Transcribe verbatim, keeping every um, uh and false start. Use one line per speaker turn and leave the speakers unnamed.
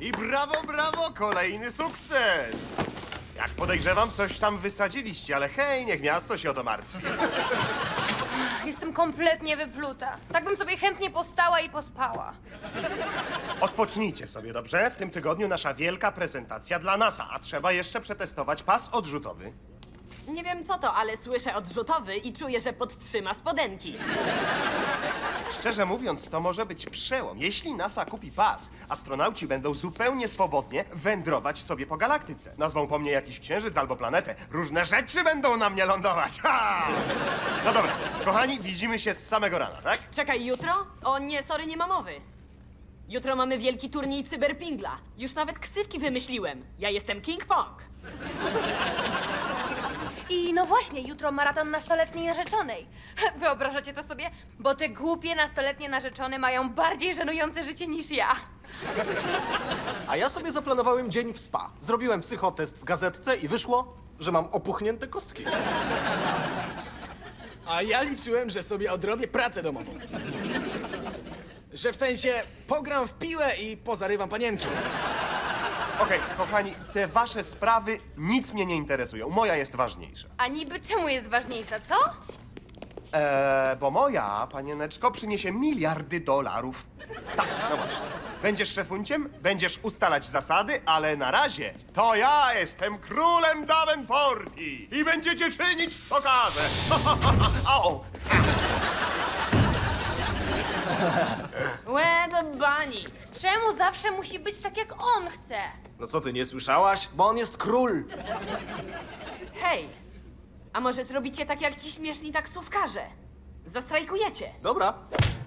I brawo, brawo, kolejny sukces! Jak podejrzewam, coś tam wysadziliście, ale hej, niech miasto się o to martwi.
Jestem kompletnie wypluta. Tak bym sobie chętnie postała i pospała.
Odpocznijcie sobie, dobrze? W tym tygodniu nasza wielka prezentacja dla NASA, a trzeba jeszcze przetestować pas odrzutowy.
Nie wiem co to, ale słyszę odrzutowy i czuję, że podtrzyma spodenki.
Szczerze mówiąc, to może być przełom. Jeśli NASA kupi pas, astronauci będą zupełnie swobodnie wędrować sobie po galaktyce. Nazwą po mnie jakiś księżyc albo planetę. Różne rzeczy będą na mnie lądować. Ha! No dobra, kochani, widzimy się z samego rana, tak?
Czekaj, jutro? O nie, sorry, nie ma mowy. Jutro mamy wielki turniej cyberpingla. Już nawet ksywki wymyśliłem. Ja jestem King Pong.
I no właśnie, jutro maraton nastoletniej narzeczonej. Wyobrażacie to sobie? Bo te głupie nastoletnie narzeczone mają bardziej żenujące życie niż ja.
A ja sobie zaplanowałem dzień w spa. Zrobiłem psychotest w gazetce i wyszło, że mam opuchnięte kostki.
A ja liczyłem, że sobie odrobię pracę domową. Że w sensie pogram w piłę i pozarywam panienki.
Okej, kochani, te wasze sprawy nic mnie nie interesują. Moja jest ważniejsza.
A niby czemu jest ważniejsza, co?
Eee, bo moja, panieneczko, przyniesie miliardy dolarów. Tak, no właśnie. Będziesz szefunciem, będziesz ustalać zasady, ale na razie to ja jestem królem Davenporti i będziecie czynić, co każę. O!
Where the bunny?
Czemu zawsze musi być tak, jak on chce?
No co ty, nie słyszałaś? Bo on jest król.
Hej, a może zrobicie tak jak ci śmieszni taksówkarze? Zastrajkujecie.
Dobra,